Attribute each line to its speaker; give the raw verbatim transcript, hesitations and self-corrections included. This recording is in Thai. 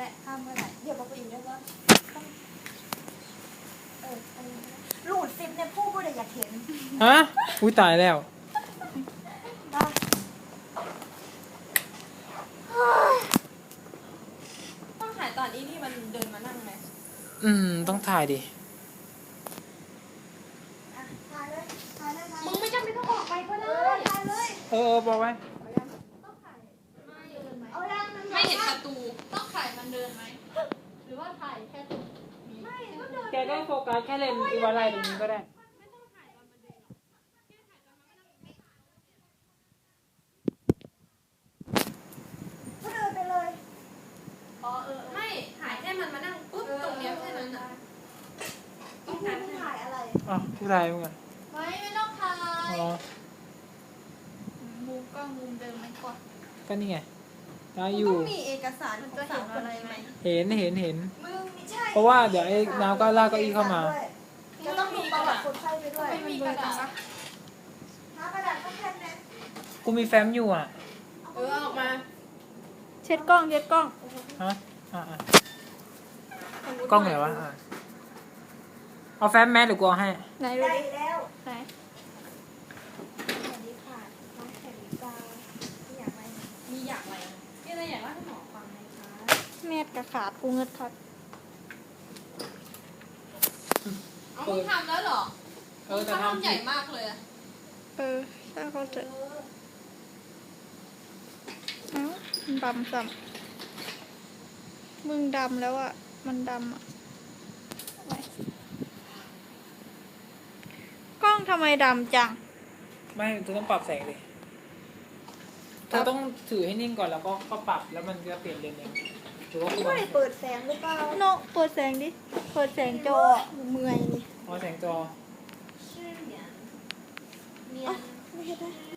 Speaker 1: ได้ข้ามก็ได้เดี๋ยวบอกไปอีกได้ว่าต้องเอออันนี้รูดซิปเนี่ยผู้ผู้ใดอยากเห็น
Speaker 2: ฮะอุ้ยตายแล้ว
Speaker 3: ต้องถ่ายตอนนี้ที่มันเดินมานั่งไหม
Speaker 2: อืมต้องถ่ายดิ
Speaker 3: มึงไม่จำเป็นต้องออกไปก็ได้ถ่ายเลย
Speaker 2: เออบอกไว้
Speaker 3: ไม่เห็นประตูต้องถ่ายมันเดินไหมหรือว่าถ่ายแค่ตรงนี้ไม่ก็เดิน
Speaker 2: แกก็โฟกัสแค่เลนอีวาไลตรงนี้ก็ได้
Speaker 1: ก็เดินไปเลย
Speaker 3: อ๋อเออไม่ถ่ายแค่มันมานั่งปุ๊บตรงเนี้ยแค่นั้นน่ะ
Speaker 1: ต้องถ่ายถ่ายอะไร
Speaker 2: อ๋อผู้ถ่ายเหมือนกัน
Speaker 3: ไม่ไม่ต้องถ่าย
Speaker 2: อ๋อ
Speaker 3: มุมกล้องมุมเดิมไหมก่อน
Speaker 2: ก็นี่ไงได้อยู่
Speaker 1: ต้องมีเอกสารมันจะเห็นอะไรไหม
Speaker 2: เห็นเห็นเห็น
Speaker 1: มึงใช่
Speaker 2: เพราะว่าเดี๋ยวไอ้น้ำก็ลากเก้าอี้เข้ามา
Speaker 1: จะต้องมีประวัติคนไข้ไปด้วย
Speaker 3: ไม่มีกระดาษ
Speaker 1: น้ำกระดาษก็แค่นั้น
Speaker 2: กูมีแฟ้มอยู่อ่ะ
Speaker 3: เออออกมา
Speaker 1: เช็ดกล้องเช็ดกล้อง
Speaker 2: ฮะอ่าอ่ากล้องไหนวะอ่าเอาแฟ้มแมสหรือกูเอาให้
Speaker 1: ไหนดูดิแล้วไหนสวัสดีค่ะน้องแขกตามีอยากอะไร
Speaker 3: มีอยากอะไรมีอะไรอยากเล่าให้หมอฟังไหมคะ
Speaker 1: เม็ดกระขาดกูเงิดคัด
Speaker 3: เอามึงทำแล้วเหรอ
Speaker 2: เออแต่
Speaker 3: ทำใหญ่มากเลย
Speaker 1: เออถ้าเขาจะเอ้าดำซ้ำมึงดำแล้วอ่ะมันดำอ่ะกล้องทำไมดำจัง
Speaker 2: ไม่เธอต้องปรับแสงดิเธอต้องถือให้นิ่งก่อนแล้วก็ก็ปรับแล้วมันจะเปลี่ยนเลนเองถือว่า
Speaker 1: ไม่ได้เปิดแสงหรือเปล่าโนเปิดแสงดิเปิดแสงจอเมื่อยนี่
Speaker 2: อ๋อแสงจอ
Speaker 1: ไม่เห็นได้